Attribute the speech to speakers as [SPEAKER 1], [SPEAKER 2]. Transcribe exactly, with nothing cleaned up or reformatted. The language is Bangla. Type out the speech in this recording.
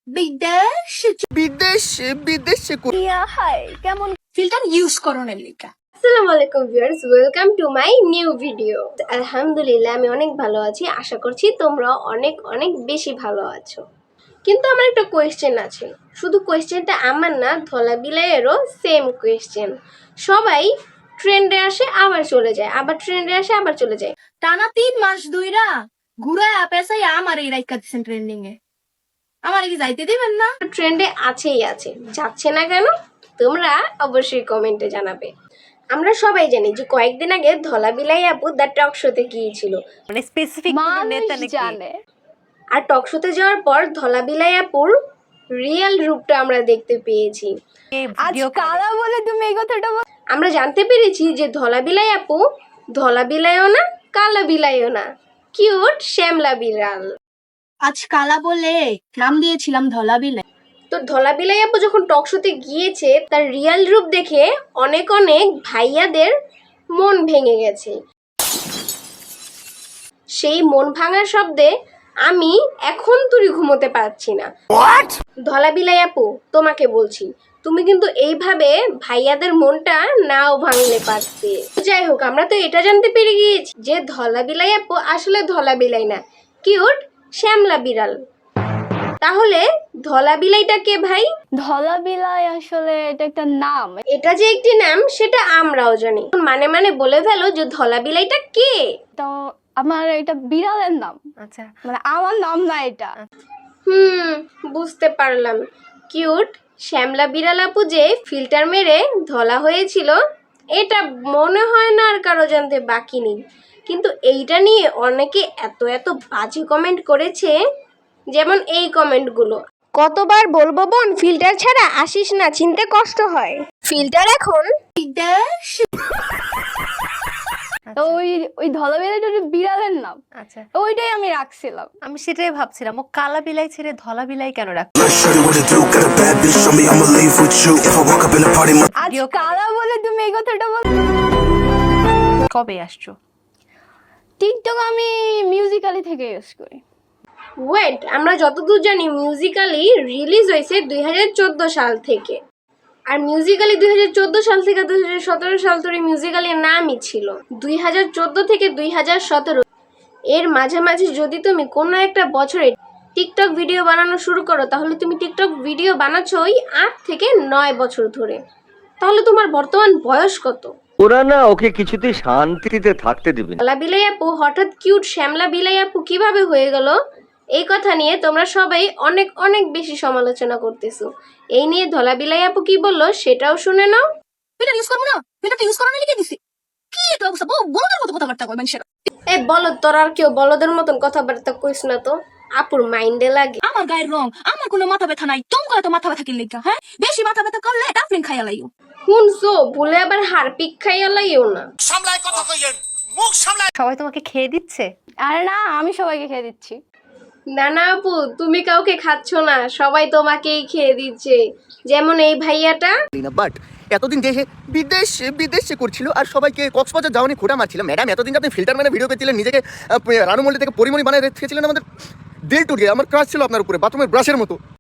[SPEAKER 1] বিদেশে
[SPEAKER 2] বিদেশে বিদেশে কো-
[SPEAKER 3] ইয়া হাই কেমন
[SPEAKER 1] ফিল্টার ইউজ করো না লিখা।
[SPEAKER 3] আসসালামু আলাইকুম viewers, welcome to my new video. আলহামদুলিল্লাহ আমি অনেক ভালো আছি, আশা করছি তোমরা অনেক অনেক বেশি ভালো আছো। কিন্তু আমার একটা কোয়েশ্চেন আছে, শুধু কোয়েশ্চেনটা আমার না, ধলা বিলাইয়েরও সেম কোয়েশ্চেন। সবাই ট্রেন্ডে আসে আবার চলে যায়, আবার ট্রেন্ডে আসে আবার চলে যায়।
[SPEAKER 1] টানা তিন মাস ধইরা ঘুরায় পেছাই আমার এই রাইকা দিচ্ছেন ট্রেন্ডিং এ। আমার কি যাইতে দিবেন না?
[SPEAKER 3] ট্রেন্ডে আছেই আছে, যাচ্ছে না কেন তোমরা অবশ্যই কমেন্টে জানাবে। আমরা সবাই জানি যে কয়েকদিন আগে ধলা বিলাই আপু দ্য টক শোতে গিয়েছিল,
[SPEAKER 4] মানে স্পেসিফিক কোনো নেতা নাকি
[SPEAKER 3] জানে। আর টক শোতে যাওয়ার পর ধলা বিলাই আপুর রিয়েল রূপটা আমরা দেখতে পেয়েছি।
[SPEAKER 4] কে
[SPEAKER 3] আজ
[SPEAKER 4] ভিডিও
[SPEAKER 3] কারা বলে তুমি এই কথাটা বল, আমরা জানতে পেরেছি যে ধলা বিলাই আপু ধলা বিলাইও না, কালা বিলাইও না, কিউট শ্যামলা বিড়াল।
[SPEAKER 1] আজ কালা বলে নাম দিয়েছিলাম ধলা বিলাই।
[SPEAKER 3] তো ধলা বিলাই আপু যখন টক শোতে গিয়েছে, তার রিয়েল রূপ দেখে অনেক অনেক ভাইয়াদের মন ভেঙে গেছে। সেই মন ভাঙার শব্দে আমি এখন তুই ঘুমোতে পারছি না। ধলা বিলাই আপু তোমাকে বলছি, তুমি কিন্তু এইভাবে ভাইয়াদের মনটা নাও ভাঙলে পারতে। যাই হোক, আমরা তো এটা জানতে পেরে গিয়েছি যে ধলা বিলাই আপু আসলে ধলা বিলাই না, কিউট শ্যামলা বিড়াল। তাহলে ধলা বিলাইটা কে ভাই?
[SPEAKER 5] ধলা বিলাই আসলে এটা একটা নাম।
[SPEAKER 3] এটা যে একটি নাম সেটা আমরাও জানি, মানে মানে বলে ফেলো যে ধলা বিলাইটা কে।
[SPEAKER 5] তো আমার এটা বিড়ালের নাম,
[SPEAKER 4] আচ্ছা
[SPEAKER 5] মানে আমার নাম না এটা।
[SPEAKER 3] হুম, বুঝতে পারলাম। কিউট শ্যামলা বিড়াল আপু যে ফিল্টার মেরে ধলা হয়েছিল, এটা মনে হয় না আর কারো জানতে বাকি নেই। কিন্তু এইটা নিয়ে অনেকে এত এত বাজে কমেন্ট করেছে, যেমন এই কমেন্টগুলো। কতবার বলবো বোন, ফিল্টার ছাড়া আসিস না, চিনতে কষ্ট হয়। ফিল্টার এখন
[SPEAKER 1] বিদেশে
[SPEAKER 5] তো ওই ওই ধলা বিলাইটা একটা বিড়ালের নাম,
[SPEAKER 4] আচ্ছা
[SPEAKER 5] ওইটাই আমি রাখছিলাম।
[SPEAKER 4] আমি সেটাই ভাবছিলাম, ও কালা বিলাই ছেড়ে ধলা বিলাই কেন রাখ।
[SPEAKER 6] Shorty what it do, got a bad bitch, show me I'ma leave with you. If I walk up in the party, my
[SPEAKER 5] আজ
[SPEAKER 4] ভিডিও
[SPEAKER 5] কারা বলে তুমি এই কথাটা বল।
[SPEAKER 4] কবে আসছো?
[SPEAKER 5] টিকটক আমি মিউজিক্যালি থেকে ইউজ করি।
[SPEAKER 3] ওয়েট, আমরা যতদূর জানি মিউজিক্যালি রিলিজ হয়েছে দুই হাজার চোদ্দ সাল থেকে। আর মিউজিক্যালি দুই হাজার চোদ্দ সাল থেকে দুই হাজার সতেরো সাল ধরে মিউজিক্যালির নামই ছিল দুই হাজার চোদ্দ থেকে দুই হাজার সতেরো। এর মাঝামাঝি যদি তুমি কোনো একটা বছরে টিকটক ভিডিও বানানো শুরু করো, তাহলে তুমি টিকটক ভিডিও বানাচ্ছ ওই আট থেকে নয় বছর ধরে। তাহলে তোমার বর্তমান বয়স কত?
[SPEAKER 7] ওরা না ওকে কিছুতেই শান্তিতে থাকতে দিবে না।
[SPEAKER 3] ধলা বিলাই আপু হঠাৎ কিউট শ্যামলা বিলাই আপু কিভাবে হয়ে গেল, এই কথা নিয়ে তোমরা সবাই অনেক অনেক বেশি সমালোচনা করতেছো। এই নিয়ে ধলা বিলাই আপু কি বললো সেটাও শুনে নাও।
[SPEAKER 1] ফিল্টার ইউজ করবো না, ফিল্টার ইউজ করা না লিখে দিছি। কি এটা অবস্থা, বলদের মতো কথাবার্তা কয় মানুষের।
[SPEAKER 3] এই বলদ, তোর আর কেউ বলদের মতন কথাবার্তা কইস না তো, আপুর মাইন্ডে লাগে।
[SPEAKER 1] আমার গায়ের রং, আমার কোনো মাথা ব্যথা নাই, তোমার এত মাথা ব্যথা কিনলে হ্যাঁ? বেশি মাথা ব্যথা করলে ডাফলিন খাইয়া লাইও।
[SPEAKER 3] শুনছো, ভুলে আবার হারপিক খাইয়া লাইও না।
[SPEAKER 4] সবাই তোমাকে খেয়ে দিচ্ছে?
[SPEAKER 5] আর না, আমি সবাইকে খেয়ে দিচ্ছি।
[SPEAKER 3] না না আপু, তুমি কাউকে খাচ্ছ না, সবাই তোমাকেই খেয়ে দিচ্ছে। যেমন এই ভাইয়াটা।
[SPEAKER 2] বাট এতদিন দেশে বিদেশে বিদেশে করছিল আর সবাইকে কক্সবাজার যাওয়ানি খোটা মারছিল। ম্যাডাম এতদিন আপনি ফিল্টার মানে ভিডিও করছিলেন, নিজেকে আহ, রানু মল্লি থেকে পরিমণি বানায় রেখেছিলেন, আমাদের দিল টুট গিয়ে। আমার ক্রাশ ছিল আপনার উপরে, বাথরুমের ব্রাশের মতো।